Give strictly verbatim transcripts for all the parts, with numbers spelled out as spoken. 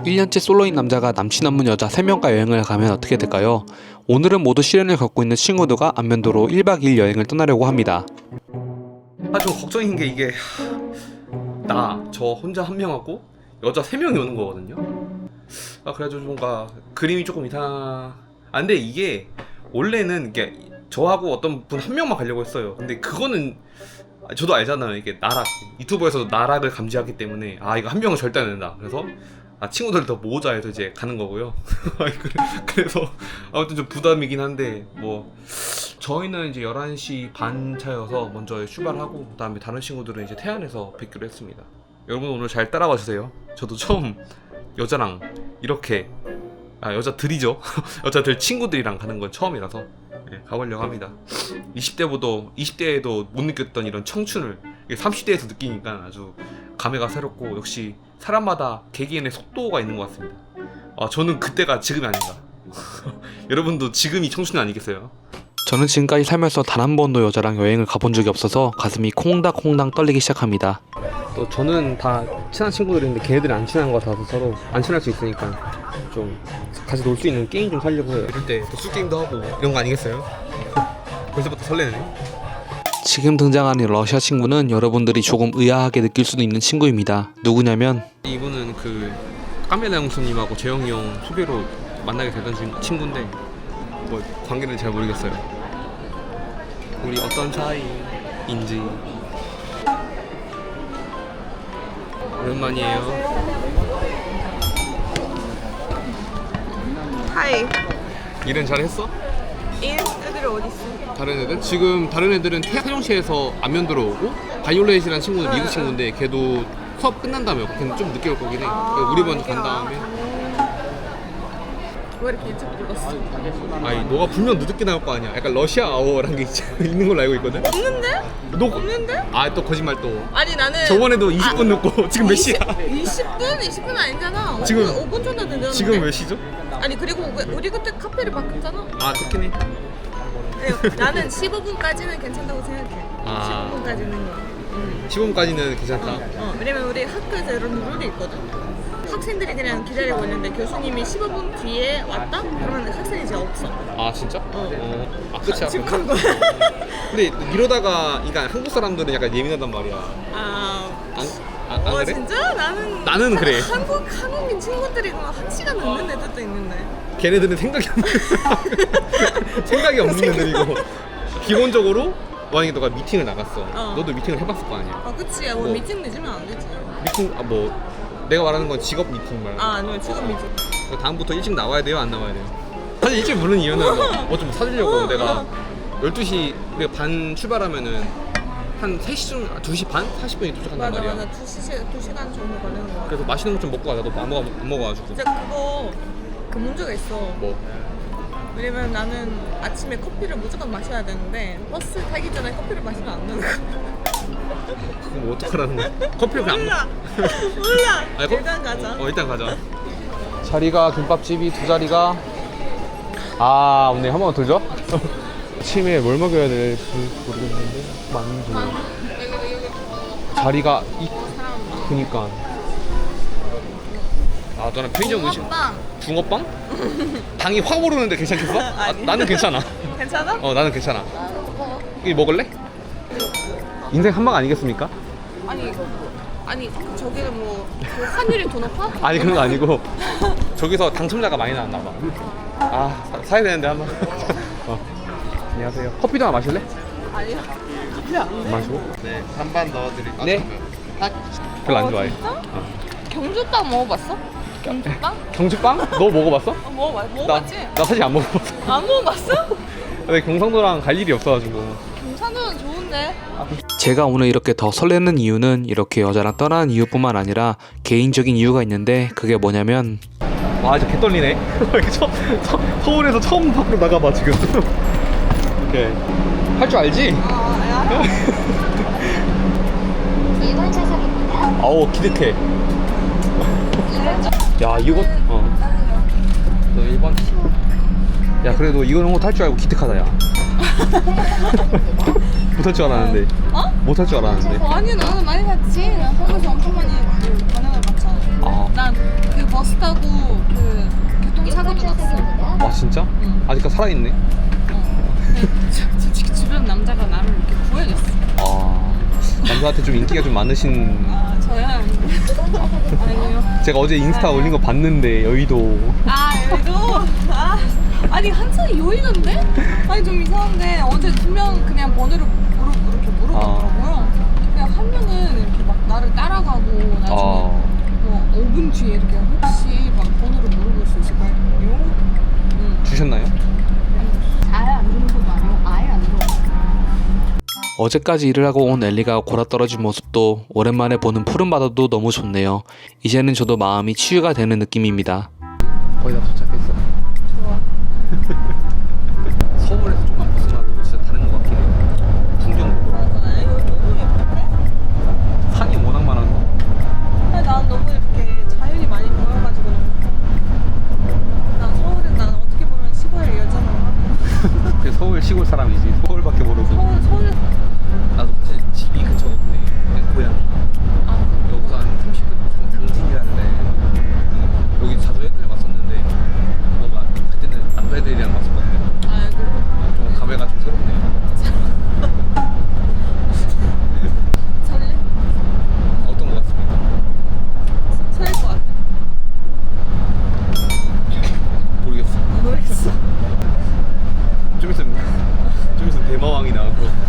일 년째 솔로인 남자가 남친 없는 여자 세 명과 여행을 가면 어떻게 될까요? 오늘은 모두 시련을 겪고 있는 친구들과 안면도로 일 박 이 일 여행을 떠나려고 합니다. 아, 좀 걱정인 게 이게 나 저 혼자 한 명하고 여자 세 명이 오는 거거든요. 아, 그래가지고 뭔가 그림이 조금 이상. 아, 근데 이게 원래는 이게 저하고 어떤 분 한 명만 가려고 했어요. 근데 그거는 저도 알잖아요. 이게 나락 유튜버에서도 나락을 감지하기 때문에 아, 이거 한 명은 절대 안 된다. 그래서 아, 친구들 더 모으자 해서 이제 가는 거고요. 그래서 아무튼 좀 부담이긴 한데 뭐 저희는 이제 열한 시 반 차여서 먼저 출발하고 그 다음에 다른 친구들은 이제 태안에서 뵙기로 했습니다. 여러분 오늘 잘 따라와 주세요. 저도 처음 여자랑 이렇게 아 여자들이죠. 여자들 친구들이랑 가는 건 처음이라서 네, 가보려고 합니다. 이십 대보다 이십 대에도 못 느꼈던 이런 청춘을 삼십 대에서 느끼니까 아주 감회가 새롭고 역시 사람마다 개개인의 속도가 있는 것 같습니다. 아, 저는 그때가 지금이 아닌가. 여러분도 지금이 청춘 아니겠어요? 저는 지금까지 살면서 단 한 번도 여자랑 여행을 가본 적이 없어서 가슴이 콩닥콩닥 떨리기 시작합니다. 또 저는 다 친한 친구들인데 걔네들이 안 친한 것 같아서 서로 안 친할 수 있으니까 좀 같이 놀 수 있는 게임 좀 살려고 해요. 이럴 때 또 술게임도 하고 이런 거 아니겠어요? 벌써부터 설레네. 지금 등장하는 러시아 친구는 여러분들이 조금 의아하게 느낄 수도 있는 친구입니다. 누구냐면 이분은 그 까멜라 형수님하고 재영이 형 소개로 만나게 되던 친- 친구인데 뭐 관계는 잘 모르겠어요. 우리 어떤 사이인지. 오랜만이에요. 하이. 일은 잘했어? 이 애들 어디 있어? 다른 애들? 지금 다른 애들은 태영시에서 안면도로 오고 바이올렛이라는 친구는 미국 친구인데 걔도 수업 끝난 다음에 걔는 좀 늦게 올 거긴 해. 그러니까 우리 먼저 간 다음에. 왜 이렇게 일찍 불렀어? 아니 너가 분명 늦게 나올 거 아니야. 약간 러시아 아워라는 게 있는 걸로 알고 있거든. 없는데? 너 없는데? 아 또 거짓말 또. 아니 나는 저번에도 이십 분 늦고 지금 몇 시야? 이십 분? 이십 분 아니잖아. 지금- 오 분 정도 늦었는데. 지금 몇 시죠? 아니 그리고 왜- 우리 그때 카페를 바꿨잖아. 아 그렇긴 해. 그래, 나는 십오 분까지는 괜찮다고 생각해. 아. 십오 분까지는. 응. 십오 분까지는 괜찮다. 어, 왜냐면 우리 학교에서 이런 룰이 있거든. 학생들이 그냥 기다리고 있는데 교수님이 십오 분 뒤에 왔다? 그러면 학생이 이제 없어. 아 진짜? 어. 아 끝이야. 지금 간 거야. 근데 이러다가 그러니까 한국 사람들은 약간 예민하단 말이야. 아, 안, 아, 안 어, 그래? 진짜? 나는 나는 그래. 한국 한국인 친구들이 그냥 한 시간 넘는 애들도 있는데. 걔네들은 생각이 없는 생각이 없는 애들이고 기본적으로 만약에 너가 미팅을 나갔어. 어. 너도 미팅을 해봤을 거 아니야. 아, 그치. 뭐, 뭐. 미팅 늦으면 안 되지. 미팅 아 뭐 내가 말하는 건 직업 미팅 말고. 아, 아니면 지금 미팅. 다음부터 일찍 나와야 돼요, 안 나와야 돼요? 사실 일찍 부르는 이유는 뭐 좀 사주려고. 어, 내가 어. 열두 시 우리가 반 출발하면은 한 세 시쯤 두 시 반? 사십 분에 도착한단 맞아, 말이야. 맞아. 두 시, 두 시간 정도 걸리는 거 같아. 그래서 맛있는 거 좀 먹고 가자. 너 안 먹어 안 먹어가지고. 진짜 그거 그 문제가 있어. 뭐 왜냐면 나는 아침에 커피를 무조건 마셔야 되는데 버스 타기 전에 커피를 마시면 안 되는 거야. 그럼 뭐 어떡하라는 거야? 커피를 그냥 안 몰라. 몰라. 아니, 커- 일단 가자. 어 일단 가자. 자리가 김밥집이 두 자리가 아 오늘 한 번 돌죠? 아침에 뭘 먹여야 될지 모르겠는데 만두 자리가 이 그니까 아 너는 편의점 음식 붕어빵. 붕어빵? 당이 확 오르는데 괜찮겠어? 아, 아니. 나는 괜찮아. 괜찮아? 어 나는 괜찮아. 이거 먹을래? 인생 한방 아니겠습니까? 아니 아니 저기는 뭐 그 환율이 더 높아? 아니 그런 거 아니고 저기서 당첨자가 많이 나왔나 봐. 아 사, 사야 되는데 한번. 어. 안녕하세요. 커피도 하나 마실래? 아니야. 커피 안 안 돼. 마시고? 네, 반반 넣어드릴게요. 네. 별로 안 어, 좋아해. 진짜? 어. 경주빵 먹어봤어? 경주빵? 경주빵? 너 먹어봤어? 어, 먹어봐, 나, 먹어봤지? 나 사실 안 먹어봤어. 안 먹어봤어? 근데 경상도랑 갈 일이 없어가지고. 경산도는 좋은데. 제가 오늘 이렇게 더 설레는 이유는 이렇게 여자랑 떠나는 이유뿐만 아니라 개인적인 이유가 있는데 그게 뭐냐면 와 진짜 개떨리네. 처, 서, 서울에서 처음 밖으로 나가봐 지금. 오케이. 할 줄 알지? 아, 야. 일 번 좌석입니다. 아우 기특해. 야 이거 어. 너 일 번. 야 그래도 이거는 못할 줄 알고 기특하다 야. 못할 줄 알았는데. 어? 못할 줄 알았는데. 어, 아니 나는 많이 봤지. 나 한국에서 엄청 많이 그 반응을 봤잖아. 아. 난그 버스 타고 그 교통사고도 났어. 아 진짜? 응. 아직까지 살아있네. 어. 솔직히 주변 남자가 나를 이렇게 구해줬어. 아 남자한테 좀 인기가 좀 많으신. 아 저야 아니요. 제가 어제 인스타 올린 거 봤는데 여의도. 아 여기도 아 아니 한창 요이던데? 아니 좀 이상한데 어제 두 명 그냥 번호를 물어 이렇게 물어보더라고요. 그냥 한 명은 이렇게 막 나를 따라가고 나중에 아. 뭐 오 분 뒤에 이렇게 혹시 막 번호를 물어볼 수 있을까요? 응. 주셨나요? 잘 안 들은 것도 아니고 아예 안 들어. 어제까지 일을 하고 온 엘리가 골아떨어진 모습도 오랜만에 보는 푸른 바다도 너무 좋네요. 이제는 저도 마음이 치유가 되는 느낌입니다. 거의 다 도착했어. 좋아. 서울에서 조금만 벗어나도 진짜 다른 것 같긴 해. 풍경도 맞아. 여기 너무 예쁜데? 산이 워낙 많아서. 아니 난 너무 이렇게 자연이 많이 보여가지고 너무 좋아. 난 서울에 난 어떻게 보면 시골의 여자잖아. 그래서 서울 시골 사람이지. 서울밖에 모르고. 서울 서울 나도 사실 집이 근처거든요. 그냥 고향이. 아 여기서 한 삼십 분 당진이라는데 여기 자주 애들 왔었는데 뭔가 그때는 남자애들이랑 왔었거든요. 아이고. 좀 감회가 좀 새롭네요. 설레? 어떤 것 같습니까? 설렐 것 같아. 모르겠어. 모르겠어. 좀 있으면 좀 있으면 대마왕이 나왔고.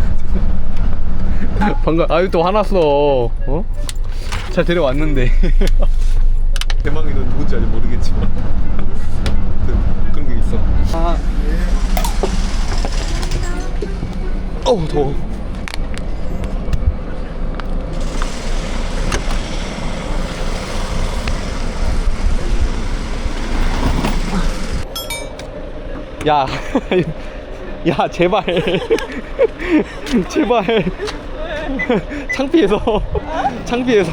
방금 아유 또 화났어. 어? 잘 데려왔는데. 대망이 넌 누군지 아직 모르겠지만 그, 그런 게 있어. 아. 어우 더워. 야, 야 제발, 제발. 창피해서, 창피해서.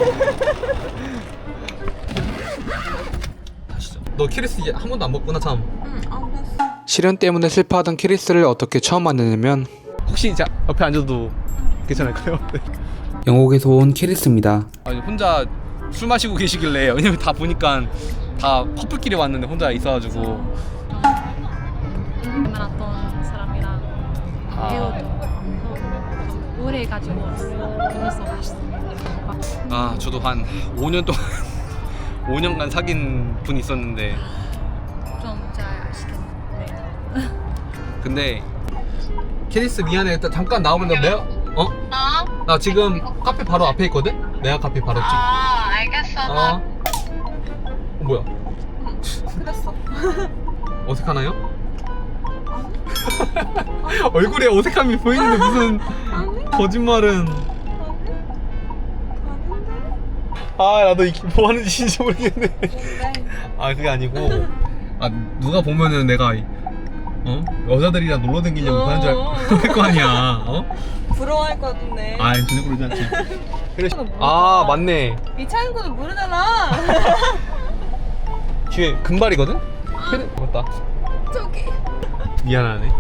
너 키리스 한 번도 안 먹구나 참. 응, 안 봤어. 시련 때문에 슬퍼하던 키리스를 어떻게 처음 만났냐면 혹시 자 옆에 앉아도 괜찮을까요? 네. 영국에서 온 키리스입니다. 아니 혼자 술 마시고 계시길래 왜냐면 다 보니까 다 커플끼리 왔는데 혼자 있어가지고. 만났던 사람이랑 아. 헤어도 오래 가지고 그래서 맛있어. 아 저도 한 오 년 동안 오 년간 사귄 분이 있었는데 좀 잘 아시겠네. 근데 캐리스 미안해 일단 잠깐 나오면 나 내가 어? 어? 나 지금 카페 바로 앞에 있거든? 내가 카페 바로 집. 아, 알겠어. 어? 나 어 뭐야? 그랬어. 어색하나요? 얼굴에 어색함이 보이는데 무슨 아니? 거짓말은. 아 나도 이게 뭐 하는 짓인지 모르겠네. 뭔데? 아 그게 아니고 아 누가 보면은 내가 어? 여자들이랑 놀러 다니려고 하는 줄 알 거 아니야. 어? 부러워할 것 같은데. 아 전혀 그러지 않지. 그래. 아 맞네. 이 차인구는 모르잖아. 뒤에 금발이거든? 캐리... 맞다. 저기. 미안하네.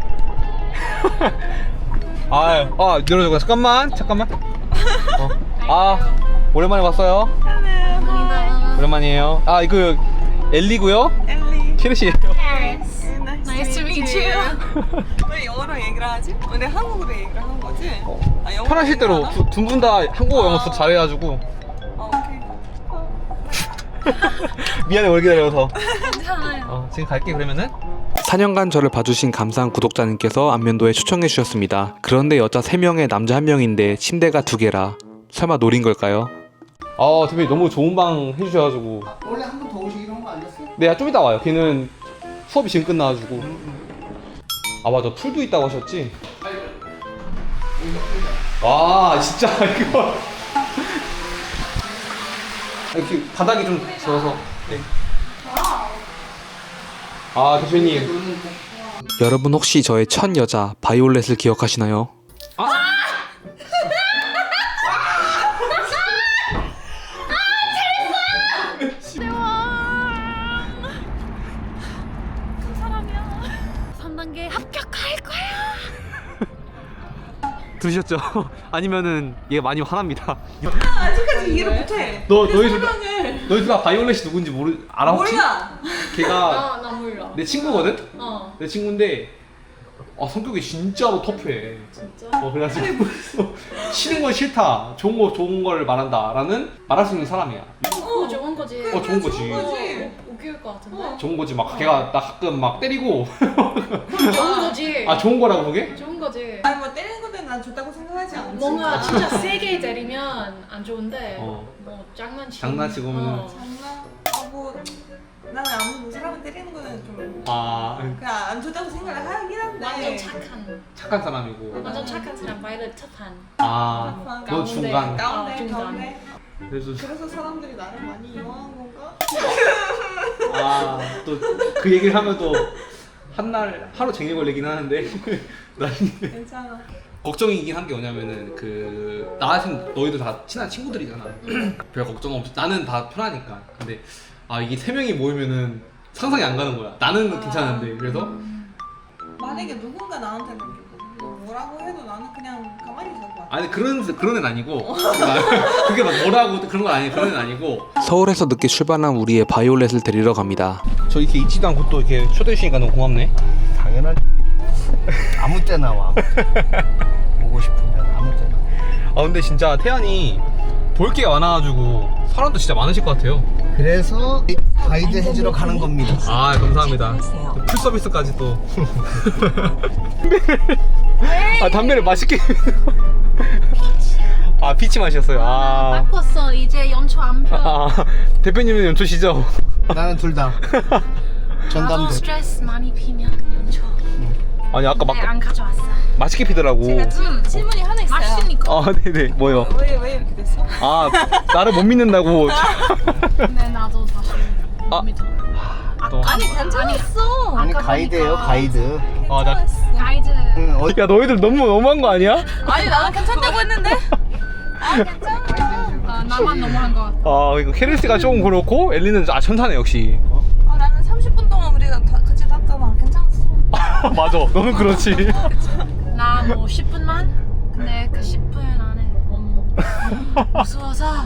아, 아 열어줘. 잠깐만 잠깐만. 어. 아 오랜만에 봤어요. 오랜만이에요. 아 이거 엘리고요. 엘리. 키르시예요. Nice to meet you. 왜 영어로 얘기를 하지? 왜 내가 한국어로 얘기를 하는 거지? 아, 영어로 편하실 얘기를 대로 하나? 두 분 다 한국어 영어 두 잘해가지고. 아 오케이. 미안해 오래 기다려서. 괜찮아요. 어, 지금 갈게 그러면은. 사 년간 저를 봐주신 감사한 구독자님께서 안면도에 초청해 주셨습니다. 그런데 여자 세 명에 남자 한 명인데 침대가 두 개라 설마 노린 걸까요? 아 대표님 너무 좋은 방 해주셔가지고. 원래 한 번 더 오시기로 한 거 아니었어? 네, 좀 이따 와요. 걔는 수업이 지금 끝나가지고. 아 맞아, 풀도 있다고 하셨지? 와 진짜 이거. 이렇게 바닥이 좀 젖어서. 네. 아 대표님. 여러분 혹시 저의 첫 여자 바이올렛을 기억하시나요? 삼 단계 합격할 거야. 두셨죠? 아니면은 얘가 많이 화납니다. 아직까지 이해를 못해. 너 그 너희 둘 다, 설명을 너희 둘 다 바이올렛이 누군지 모르 알아 혹시? 몰라. 걔가 아, 나 몰라. 내 친구거든? 어. 내 친구인데 아 성격이 진짜로 터프해. 진짜? 어 그래가지고 싫은 건 싫다, 좋은 거 좋은 걸 말한다라는 말할 수 있는 사람이야. 어, 좋은 거지. 어 좋은 거지. 좋은 거지. 웃길 것 같은데? 어. 좋은 거지. 막 걔가 나 가끔 막 때리고 좋은 거지. 아 좋은 거라고 그게? 좋은 거지. 아니 뭐 때리는 것도 난 좋다고 생각하지 않지. 뭔가 진짜 세게 때리면 안 좋은데 어. 뭐 장난치고 장난치고 하면은 어. 장난. 아뭐 나는 아무 뭐 사람을 때리는 거는 좀 아 그냥 안 좋다고 생각을 하긴 한데. 완전 착한 착한 사람이고. 완전 착한 사람 바이올렛 착한 아 너 가운데. 중간. 가운데 어, 중간. 가운데. 그래서 그래서 사람들이 나를 많이 이용한 건가? 아 또 그 얘기를 하면 또 한날 하루 종일 걸리긴 하는데 난 괜찮아. 걱정이긴 한 게 뭐냐면은 그 나한테는 너희들 다 친한 친구들이잖아. 별 걱정 없이 나는 다 편하니까. 근데 아 이게 세 명이 모이면은 상상이 안 가는 거야. 나는 아. 괜찮은데 그래서 만약에 누군가 나한테 뭐 뭐라고 해도 나는 그냥 가만히 있을 것 같아. 아니 그런 그런 애는 아니고 나- 그게 막 뭐라고 그런 건 아니 그런 애는 아니고. 서울에서 늦게 출발한 우리의 바이올렛을 데리러 갑니다. 저 이렇게 있지도 않고 또 이렇게 초대해 주시니까 너무 고맙네. 당연한 일이지. 아무 때나 와. 보고 싶으면 아무 때나. 아 근데 진짜 태안이 볼 게 많아가지고 사람도 진짜 많으실 것 같아요. 그래서 가이드 해주러 가는 겁니다. 아 감사합니다. 풀 서비스까지 또. 아 담배를 맛있게. 아 피치 마셨어요. 아, 바꿨어 이제 연초 안 펴. 아 대표님은 연초시죠? 나는 둘 다. 나도 전담대. 스트레스 많이 피면 연초. 아니 아까 막 네, 안 가져왔어. 맛있게 피더라고. 제가 질, 질문이 하나 있어요. 맛있으니까. 아 네네 뭐요? 왜, 왜 이렇게 됐어? 아 나를 못 믿는다고. 근데 나도 사실 아. 못 믿어. 또. 아니 괜찮았어. 아니 아까 가이드예요 보니까 가이드. 아 나. 가이드. 응, 어, 야 너희들 너무 너무한 거 아니야? 아니 나는 괜찮다고 했는데. 아 괜찮아. 아, 나만 너무한 것 같아. 아 이거 케르스가 조금 그렇고 엘리는 아 천사네 역시. 아 나는 삼십 분 동안 우리가 다, 같이 탔잖아. 괜찮았어. 맞아 너는 그렇지. 나 뭐 십 분만? 근데 그 십 분 안에 너무 무서워서.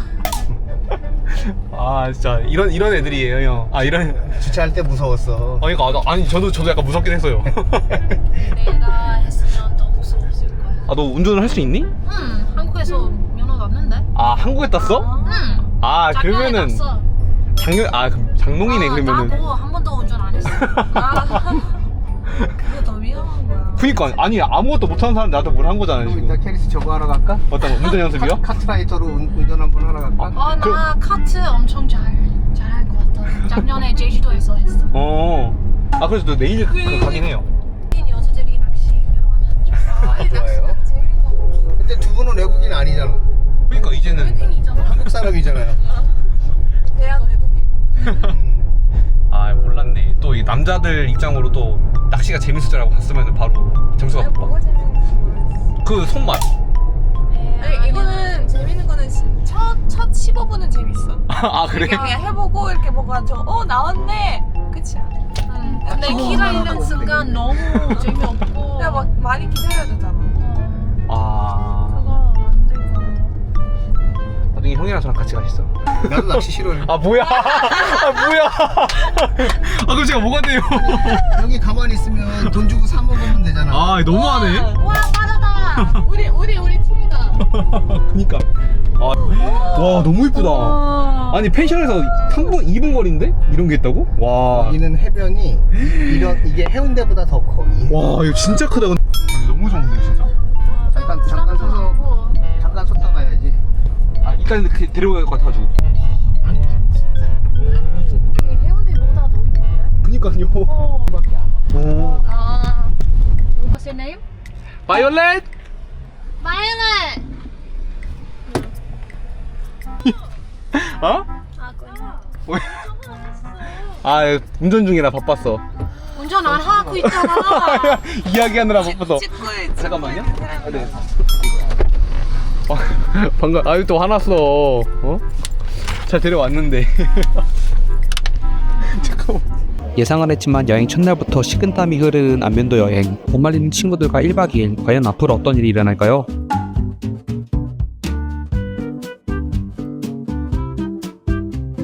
아 진짜 이런 이런 애들이에요 형. 아 이런. 주차할 때 무서웠어. 아니 그러니까 나- 아니 저도 저도 약간 무섭긴 했어요. 내가 했으면 더 무서웠을 거야. 아 너 운전을 할 수 있니? 응, 한국에서 면허 났는데. 아 한국에 땄어? 응. 아 작년에 그러면은 났어. 작년 아 그럼 장롱이네 어, 그러면은. 나고 한 번도 운전 안 했어. 아 그게 더 위험한 거야. 그니까 아니 아무것도 못하는 사람 나한테 뭘 한 거잖아요 그럼 지금. 이따 캐리스 저거 하러 갈까? 어떤 거 운전 연습이요? 카, 카트라이더로 운, 운전 한번 하러 갈까? 어, 나 카트 엄청 잘 잘할 것 같아. 작년에 제주도에서 했어. 어. 아 그래서 너 내일 그 가긴 해요. 여자들이 낚시 배우는 줄. 아, 좋아요. 근데 두 분은 외국인 아니잖아. 그러니까 이제는 외국인이잖아. 한국 사람이잖아요. 대한 외국인. 음. 아 몰랐네. 또 이 남자들 입장으로 또 낚시가 재밌을 줄 알고 갔으면 바로 점수가 아니 높아. 뭐가 재밌는지 모르겠어. 그 손맛. 아니 이거는 재밌는 거는 첫첫 십오 분은 재밌어. 아 그래? 그냥, 그냥 해보고 이렇게 뭐가 저어 나왔네. 끝이야. 응. 근데 어. 기다리는 순간 너무 재미없고. 그냥 막 많이 기다려야 되잖아. 어, 아 그거 안 되고. 나중에 형이랑 저랑 같이 가시죠. 나도 낚시 싫어요. 아 뭐야? 아 뭐야? 아 그럼 제가 뭐가 돼요? 여기 가만히 있으면 돈 주고 사 먹으면 되잖아. 아 너무하네. 와 빠르다. 우리 우리 우리 팀이다. 그니까. 아, 와 너무 이쁘다. 아니 펜션에서 삼 분, 이 분 거리인데 이런 게 있다고? 와. 여기는 해변이 이런 이게 해운대보다 더 커. 이 해변. 와 이거 진짜 크다. 근데. 아니, 너무 좋은데 진짜. 잠깐 잠깐 서서 잠깐 섰다 가야지. 아 일단 그 데려갈 것 같아가지고. 아니 진짜. 해운대보다 더 이쁜데? 그니까요. 어. 오. 아. What's your name? 바이올렛. Violet. 어? 아, 왜? 아 운전 중이라 바빴어. 운전 안 하고 있잖아. 이야기하느라 바빠서. 찍고해. 잠깐만요. 아, 네. 아, 방금 아유 또 화났어. 어? 잘 데려왔는데. 잠깐만. 예상은 했지만 여행 첫날부터 식은땀이 흐르는 안면도 여행. 못 말리는 친구들과 일 박 이 일, 과연 앞으로 어떤 일이 일어날까요?